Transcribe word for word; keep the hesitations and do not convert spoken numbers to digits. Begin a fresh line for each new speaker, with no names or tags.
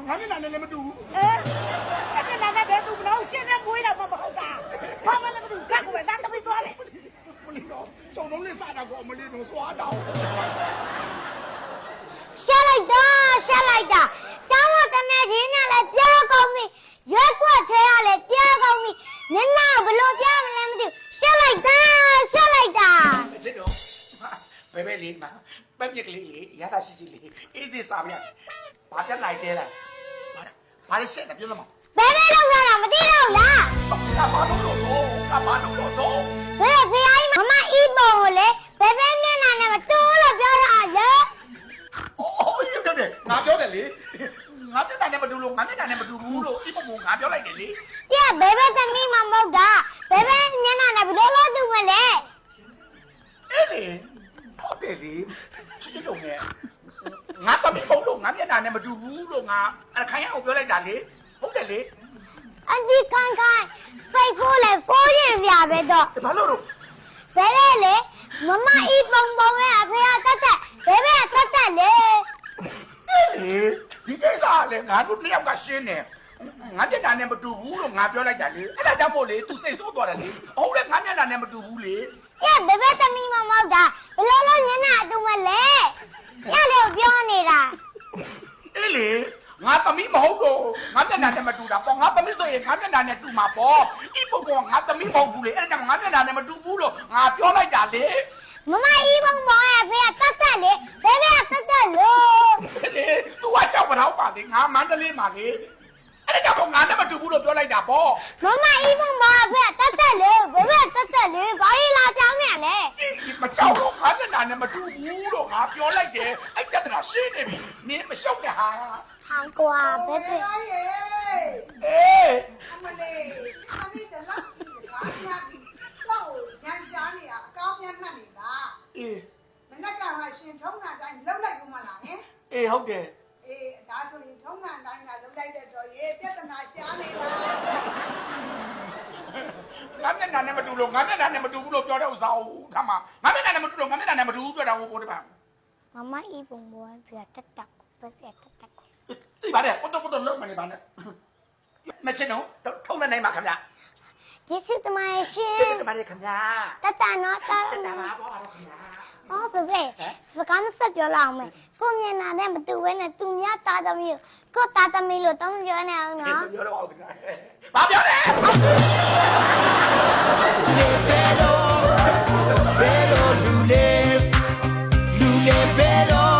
ငါမျက်နှာနဲ့လည်းမတူဘူး
အဲရှက်တဲ့နာနဲ့ဘယ်သူမလို့ရှက်တဲ့မွေးတော့မဟုတ်တာဘာမှလည်းမသိဘူးကတ်ကိုပဲသားသမီးသွားတယ်
မလီတော့စုံလုံးလေးစားတာကိုအမလီတော့စွာတောင်း
ရှက်လိုက်တာရှက်လိုက်တာတောင်းတော့တမက်ကြီးနဲ့လည်းပြောကောင်းပြီရွက်ကွက်ထဲရလည်းပြောကောင်းပြီနင်နာဘလို့ပြောမလဲမသိဘူးရှက်လိုက်တာရှက်လိုက်တာ
ချစ်တော့ဘယ်ပဲလေးမှာပက်ပြက်ကလေးလေးရတာရှိရှိလေးအေးစစ်စားပြဘာပြက်လိုက်သေးလားဘာလဲရှက်နေပြောမ
ဘယ်ပဲလောက်ရတာမသိတော့လား
ကဘာလို့လို့ကဘာလို့လို့
ဘယ်ဖေးအိုင်းမမအီးပုံကိုလေဘယ်ပဲမျက်နှာနဲ့မတိုးလို့ပြောတာလေ
အိုးရုပ်တယ်ငါပြောတယ်လေငါမျက်နှာနဲ့မတူလို့ငါမျက်နှာနဲ့မတူဘူးလို့ဒီပုံကငါပြောလိုက်တယ်လေ
ပြဘယ်ပဲသမီးမမဟုတ်တာဘယ်ပဲမျက်နှာနဲ့ဘယ်လိုလုပ်သူမလဲ
အဲ့လေဟုတ်တယ်လေချစ်တော့ငယ်ငါတော့မဟုတ်လို့ငါမျက်နှာနဲ့မတူဘူးလို့ငါအခိုင်အောင်ပြောလိုက်တာလေဟုတ်တယ်လေ
အဒီခိုင်ခိုင်ဖိတ်ဖိုးလေဖိုးရင်ပြပဲတော့
ဘာလို့လို့
ဘယ်လဲလေမမအီးပုံပုံရဲ့အဖေကတက်တက်ဘယ်ပဲတက်တက်လေ
အဲ့လေဒီကိစ္စလေငါတို့နှစ်ယောက်ကရှင်းတယ်ငါမျက်နှာနဲ့မတူဘူးလို့ငါပြောလိုက်တာလေအဲ့ဒါကြောင့်မို့လေ तू စိတ်ဆိုးသွားတယ်လေဟုတ်လေငါမျက်နှာနဲ့မတူဘူးလေ
ပြဘယ်ပဲသမီးမမဟုတ်တာဘယ်လိုလုပ်ညနာတူမလဲညလေပြောနေတာ
အေးလေငါသမီးမဟုတ်တော့ငါမျက်နှာနဲ့မတူတာပေါ့ငါသမီးဆိုရင်ငါမျက်နှာနဲ့တူမှာပေါ့ဒီပုံကငါသမီးမဟုတ်ဘူးလေအဲ့ဒါကြောင့်ငါမျက်နှာနဲ့မတူဘူးလို့ငါပြောလိုက်တာလေ
မမအီးပုံပုံရဲ့အဖေကတက်တက်လေဘယ်ပဲတက်တက်လို့
လေ तू ကကြောက်မတော့ပါလေငါမန္တလေးမှာလေအဲ့ဒါကြောင့်ငါနဲ့မတူဘူးလို့ပြောလိုက်တာပေါ့
မမအီးပုံပုံအဖေကတက်တက်လေဘယ်ပဲတက်တက်လေဘာလို့လာကြောင်းနေလဲ
မကြောက်တော့ငါမျက်နှာနဲ့မတူဘူးလို့ငါပြောလိုက်တယ်အဲ့ပြဿနာရှင်းနေပြီနင်းမရှုပ်နဲ့ဟာ
ဟောင်းကွာဘယ်ပဲ
အေး
အမလေးအမီးတလောက်ကြီးတာညာတော့ရန်ရှားနေရအကောင်းမြတ်မှတ်နေတာ
အေး
မနေ့ကမှရှင်ထုံးတာတိုင်းလောက်လိုက်ဦးမလားဟင်
အေးဟုတ်တယ်
အေးဒါဆိုရင်ထုံးတာတိုင်းကလောက်လိုက်တဲ့တော့ရေပြဿနာရှားနေတာ
ငါမျက်နှာနဲ့မတူလို့ငါမျက်နှာနဲ့မတူဘူးလို့ပြောတဲ့ဥစ္စာကိုခါမှာငါမျက်နှာနဲ့မတူလို့ငါမျက်နှာနဲ့မတူဘူးပြောတာကိုကိုတပါ
မမအီးပုံပုံအဖေကတက်တက်ဘယ်ပဲတက်တက်
သိပါတယ်ကိုတော့ကိုတော့လုံးမနေပါနဲ့မချင်တော့ထုံးနေနိုင်ပါခင်ဗျာ
ကျေးဇူးတင်ပါတယ်ရှင်
တိတ်တပါတယ်ခင်ဗျာ
တက်တက်နော်တက်
တက်တာပါဘောပါတော့ခင်ဗျာ
အော်ဘယ်ပဲစကားမဆက်ပြောလောက်မယ်ကိုမျက်နှာနဲ့မတူဘဲနဲ့သူများသားသမီးကိုသားသမီးလို့တောင်းပြောနေအောင်နော်
ပြောတော့ဟုတ်ကဲ့ဘာပြောလဲ
Pero, pero, lule, lule, pero.